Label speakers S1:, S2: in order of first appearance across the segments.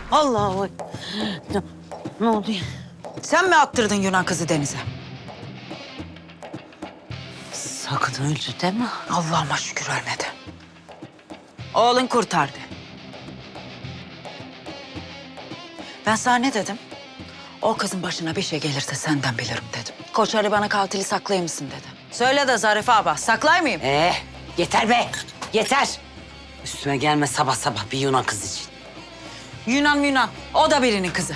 S1: Allah. Ne oluyor?
S2: Sen mi attırdın Yunan kızı denize?
S1: Sakın öldü deme.
S2: Allah'ıma şükür ölmedi. Oğlun kurtardı. Ben sana ne dedim? O kızın başına bir şey gelirse senden bilirim dedim. Koç Ali bana katili saklayır mısın dedi. Söyle de Zarife abla, saklar mıyım?
S1: Yeter be. Yeter. Üstüme gelme sabah sabah bir Yunan kız için.
S2: Yunan, o da birinin kızı.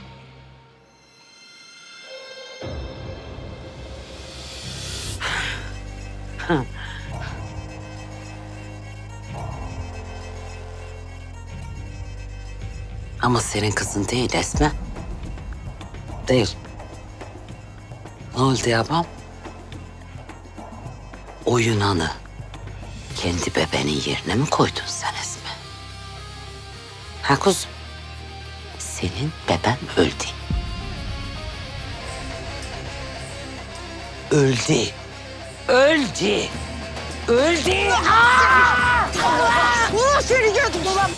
S1: Ama senin kızın değil Esme. Değil. Ne oldu yapam? O Yunan'ı kendi bebeğinin yerine mi koydun sen Esme? Ha kuzum? Senin beben öldü. Öldü. Öldü. Öldü.
S2: Seni gördüm ulan.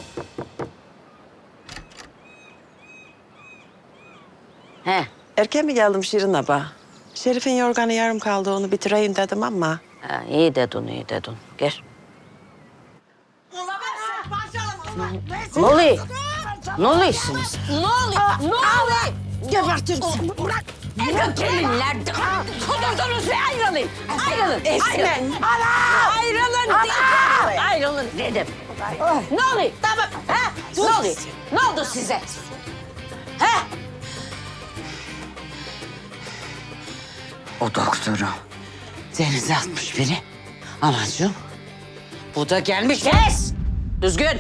S1: He.
S3: Erken mi geldim Şirin abla? Şerif'in yorganı yarım kaldı, onu bitireyim dedim ama.
S1: Ha, iyi dedin, iyi dedin. Gel. Ne oluyor? Ne oluyorsunuz?
S4: Ne oluyor? Ne oluyor?
S3: Gebertirim seni.
S4: Bırak. Erkek gelinler. Kudurdunuz ve ayrılın. Ayrılın.
S3: Esme.
S4: Ayrılın. Ayrılın dedim. Ne oluyor? Tamam. Ha? Ne oluyor? Ne oldu size? Ha?
S1: O doktoru denize atmış biri. Anacığım, bu da gelmiş.
S4: Kes! Düzgün.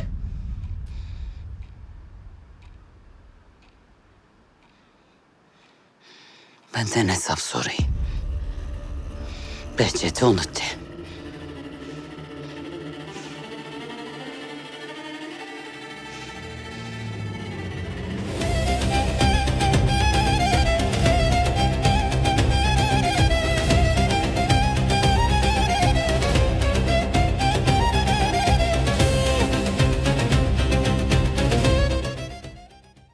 S1: Benden hesap sorayım. Behçet'i unuttu.